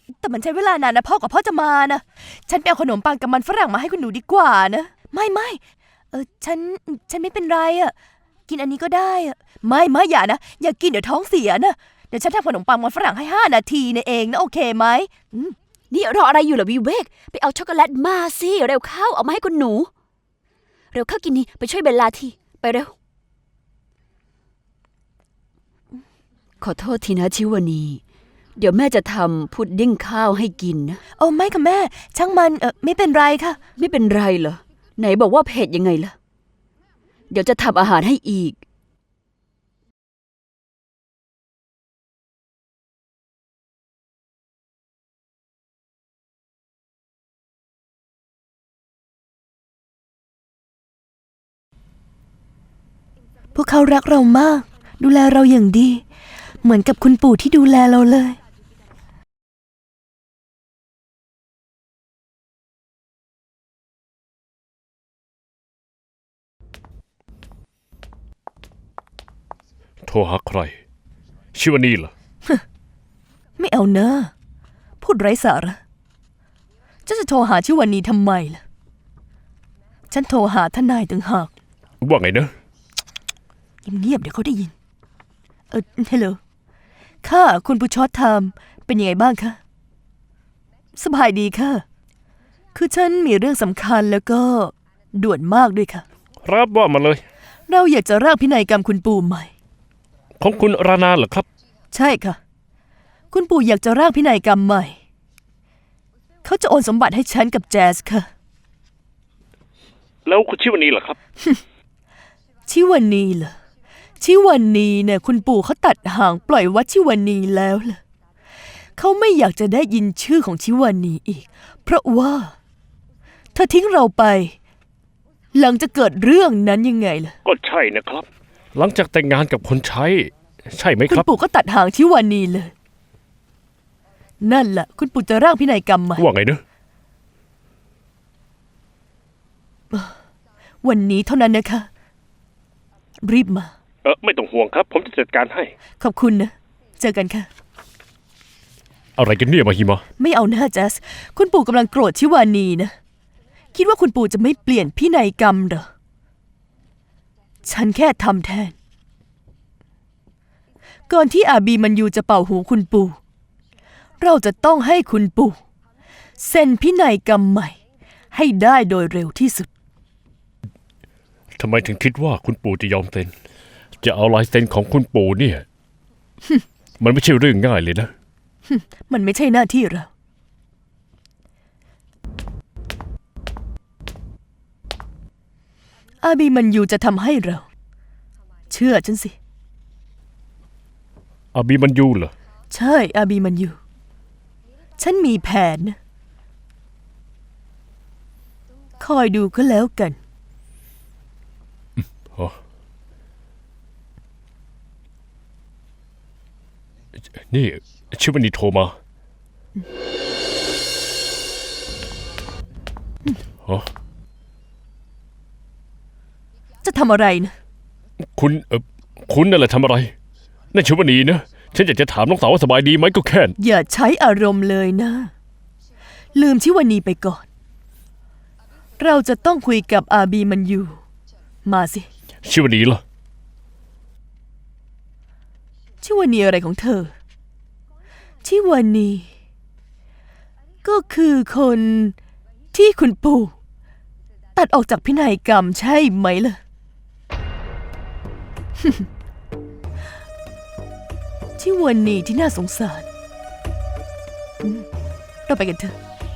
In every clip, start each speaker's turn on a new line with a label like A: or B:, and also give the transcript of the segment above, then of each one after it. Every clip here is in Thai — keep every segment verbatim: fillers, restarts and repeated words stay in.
A: แต่มันใช้เวลานานนะพ่อกับพ่อจะมานะฉันไปเอาขนมปังกับมันฝรั่งมาให้คุณหนูดีกว่านะไม่ไม่เออฉันฉันไม่เป็นไรอะกินอันนี้ก็ได้อะไม่ไม่อย่านะอย่ากินเดี๋ยวท้องเสียนะเดี๋ยวฉันทำขนมปังมันฝรั่งให้ห้านาทีนะเองนะโอเคไหม
B: นี่รออะไรอยู่ล่ะวิเวกไปเอาช็อกโกแลตมาสิเร็วเข้าเอามาให้คุณหนูเร็วเข้ากินนี่ไปช่วยเบลลาทีไปเร็วขอโทษทีนะชิวานีเดี๋ยวแม่จะทำพุดดิ้งข้าวให้กินนะ
A: โอ้ไม่ค่ะแม่ช่างมันเออไม่เป็นไรค่ะ
B: ไม่เป็นไรเหรอไหนบอกว่าเผ็ดยังไงล่ะเดี๋ยวจะทำอาหารให้อีก
A: พวกเขารักเรามากดูแลเราอย่างดีเหมือนกับคุณปู่ที่ดูแลเราเลย
C: โทรหาใครชิวานีเหรอ
A: ไม่เอาเนอะพูดไร้สาระจะจะโทรหาชิวานีทำไมล่ะฉันโทรหาทนายต่างหาก
C: ว่าไงเนอะ
A: เงียบๆเดี๋ยวเขาได้ยินเออฮัลโหลค่ะคุณผู้ชอตไทม์เป็นยังไงบ้างคะสบายดีค่ะคือฉันมีเรื่องสำคัญแล้วก็ด่วนมากด้วยค่ะ
C: รับว่ามาเลย
A: เราอยากจะร่างพินัยกรรมคุณปู่ใหม่
C: ของคุณรานาเหรอครับ
A: ใช่ค่ะคุณปู่อยากจะร่างพินัยกรรมใหม่เขาจะโอนสมบัติให้ฉันกับแจสค่ะ
C: แล้วคุณชิวานีเหรอครับ
A: ชิวานีเหรอชิวานีเนี่ยคุณปู่เขาตัดหางปล่อยวัดชิวานีแล้วล่ะเขาไม่อยากจะได้ยินชื่อของชิวานีอีกเพราะว่าเธอทิ้งเราไปหลังจะเกิดเรื่องนั้นยังไงล่ะ
C: ก็ใช่นะครับหลังจากแต่งงานกับคนใช้ใช่ไหมครับ
A: คุณปู่ก็ตัดหางชิวานีเลยนั่นแหละคุณปู่จะร่างพินัยกรรมใหม่
C: ว่าไงเนอะ
A: วันนี้เท่านั้นนะคะรีบมา
C: เออไม่ต้องห่วงครับผมจะจัดการให้
A: ขอบคุณนะเจอกันค่ะ
C: อะไรกันเนี่ยมาฮิมา
A: ไม่เอาหน้าแจสคุณปู่กำลังโกรธชิวานีนะคิดว่าคุณปู่จะไม่เปลี่ยนพินัยกรรมเหรอฉันแค่ทำแทนก่อนที่อาบีมันยูจะเป่าหูคุณปู่เราจะต้องให้คุณปู่เซ็นพินัยกรรมใหม่ให้ได้โดยเร็วที่สุด
C: ทำไมถึงคิดว่าคุณปู่จะยอมเซ็นจะเอาลายเซ็นของคุณปู่เนี่ย มันไม่ใช่เรื่องง่ายเลยนะ
A: มันไม่ใช่หน้าที่เราอาบีมันยูจะทำให้เราเชื่อฉันสิ
C: อาบีมันยูเหรอ
A: ใช่อาบีมันยูฉันมีแผนนะคอยดูก็แล้วกัน
C: นี่ชิวานีโทรมา
A: จะทำอะไรนะ
C: คุณเออคุณนั่นแหละทำอะไรนั่นชิวานีนะฉันอยากจะถามน้องสาวว่าสบายดีไหมก็แค่
A: อย่าใช้อารมณ์เลยนะลืมชิวานีไปก่อนเราจะต้องคุยกับอาบีมันยูมาสิ
C: ชิวานีล่ะ
A: ชิวานีอะไรของเธอชิวานีก็คือคนที่คุณปู่ตัดออกจากพินัยกรรมใช่ไหมล่ะ ชิวานีที่น่าสงสารเราไปกันเถอะ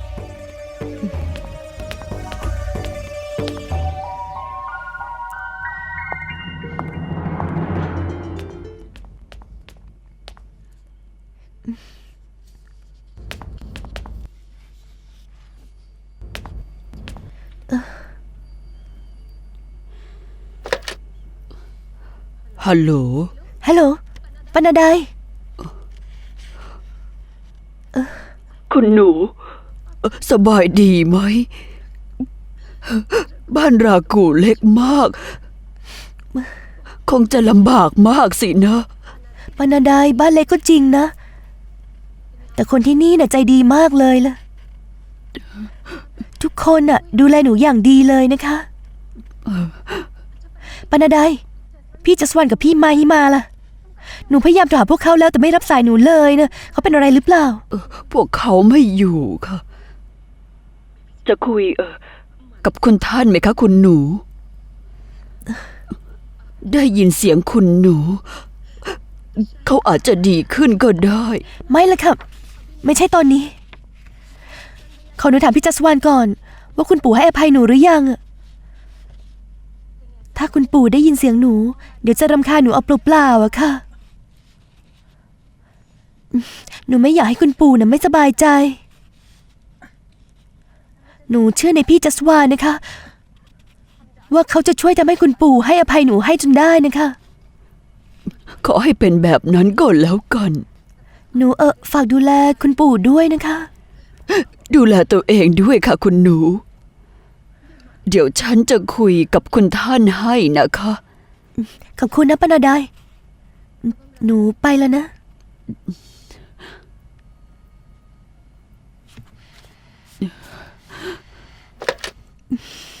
B: ฮัลโหล
A: ฮัลโหลปนาได
B: คุณหนูสบายดีไหมบ้านรากูเล็กมากคงจะลำบากมากสินะ
A: ปนาไดบ้านเล็กก็จริงนะแต่คนที่นี่น่ะใจดีมากเลยล่ะ ทุกคนน่ะ ดูแลหนูอย่างดีเลยนะคะปานาไดพี่จัสวันกับพี่มาฮิมาล่ะ หนูพยายามโทรหาพวกเขาแล้วแต่ไม่รับสายหนูเลยนะเขาเป็นอะไรหรือเปล่า
B: เออพวกเขาไม่อยู่ค่ะ จะคุยเออกับคุณท่านไหมคะคุณหนู ได้ยินเสียงคุณหนู เขาอาจจะดีขึ้นก็ได้
A: ไม่ละค่ะ ไม่ใช่ตอนนี้ ขอหนูถามพี่จัสวานก่อน ว่าคุณปู่ให้อภัยหนูหรือยังอะถ้าคุณปู่ได้ยินเสียงหนู เดี๋ยวจะรำคาญหนูเอาเปล่าๆอะค่ะ หนูไม่อยากให้คุณปู่น่ะไม่สบายใจ หนูเชื่อในพี่จัสวานนะคะ ว่าเขาจะช่วยทำให้คุณปู่ให้อภัยหนูให้จนได้นะคะ
B: ขอให้เป็นแบบนั้นก็แล้วกัน
A: หนูเออฝากดูแลคุณปู่ด้วยนะคะ
B: ดูแลตัวเองด้วยค่ะคุณหนู เดี๋ยวฉันจะคุยกับคุณท่านให้นะคะ
A: ขอบคุณนะปานาไดหนูไปแล้วนะ
B: อ